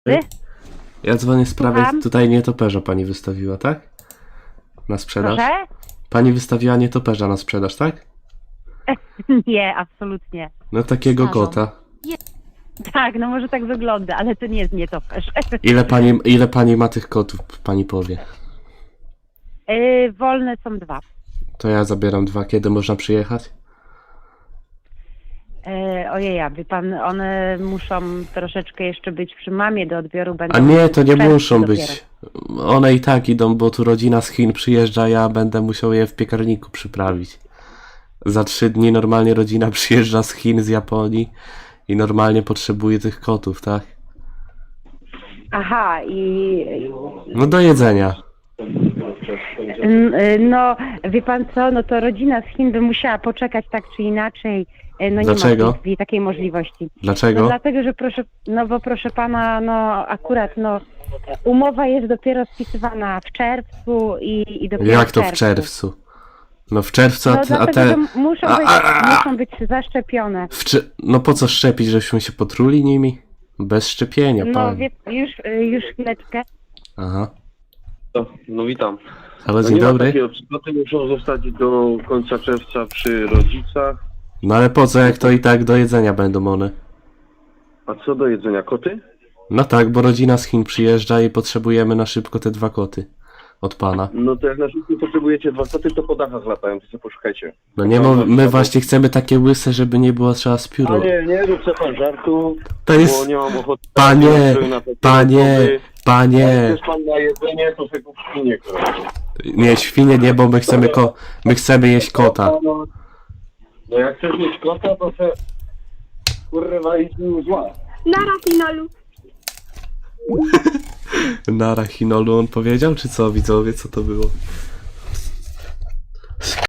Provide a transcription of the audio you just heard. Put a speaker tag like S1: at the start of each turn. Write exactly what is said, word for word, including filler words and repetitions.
S1: Ty?
S2: Ja dzwonię w sprawie,
S1: Słucham?
S2: tutaj nietoperza pani wystawiła, tak? Na sprzedaż?
S1: Proszę?
S2: Pani wystawiła nietoperza na sprzedaż, tak?
S1: Nie, absolutnie.
S2: No takiego
S3: Starzą.
S2: kota.
S1: Tak, no może tak wygląda, ale to nie jest nietoperz.
S2: Ile pani, ile pani ma tych kotów, pani powie?
S1: Yy, wolne są dwa.
S2: To ja zabieram dwa, kiedy można przyjechać?
S1: Yy, ojej, wie pan, one muszą troszeczkę jeszcze być przy mamie do odbioru. Będą
S2: A nie, to nie
S1: w czerwcu
S2: muszą
S1: dopiero.
S2: być. One i tak idą, bo tu rodzina z Chin przyjeżdża, ja będę musiał je w piekarniku przyprawić. Za trzy dni normalnie rodzina przyjeżdża z Chin, z Japonii i normalnie potrzebuje tych kotów, tak?
S1: Aha, i
S2: No do jedzenia.
S1: N- y, no, wie pan co, no to rodzina z Chin by musiała poczekać tak czy inaczej. Y, No nie
S2: Dlaczego?
S1: ma w tej chwili takiej możliwości.
S2: Dlaczego?
S1: No dlatego, że proszę, no bo proszę pana, no akurat no umowa jest dopiero spisywana w czerwcu i, i dopiero
S2: Jak to w
S1: czerwcu.
S2: czerwcu? No w czerwcu, a
S1: No
S2: te... A
S1: dlatego,
S2: te...
S1: że muszą
S2: a-
S1: być,
S2: a- a-
S1: muszą być zaszczepione.
S2: w cze... No po co szczepić, żebyśmy się potruli nimi? Bez szczepienia,
S1: No
S2: pan.
S1: wie, już, y, już chwileczkę.
S2: Aha.
S4: No, no witam.
S2: Halo,
S4: No
S2: dzień
S4: nie ma
S2: dobry.
S4: takiego, przypłaty muszą zostać do końca czerwca przy rodzicach.
S2: No ale po co, jak to i tak do jedzenia będą one?
S4: A co do jedzenia? Koty?
S2: No tak, bo rodzina z Chin przyjeżdża i potrzebujemy na szybko te dwa koty. Od pana.
S4: No to jak na szybko potrzebujecie dwa koty, to po dachach latają, to sobie poszukajcie.
S2: No nie, mo- my właśnie chcemy takie łyse, żeby nie było trzeba z
S4: A
S2: pióru.
S4: nie, nie rób sobie pan żartu,
S2: To
S4: bo
S2: jest...
S4: nie mam ochoty...
S2: Panie,
S4: na takie
S2: panie,
S4: osoby. Jak
S2: panie.
S4: chcesz pan na jedzenie, to sobie kup świnię, kurwa.
S2: Nie, świnie nie, bo my chcemy ko... My chcemy jeść kota.
S4: No, no jak chcesz mieć kota, to se... Kurwa, idź mi zła.
S5: Nara Hinolu.
S2: Na Rachinolu on powiedział, czy co widzowie, co to było?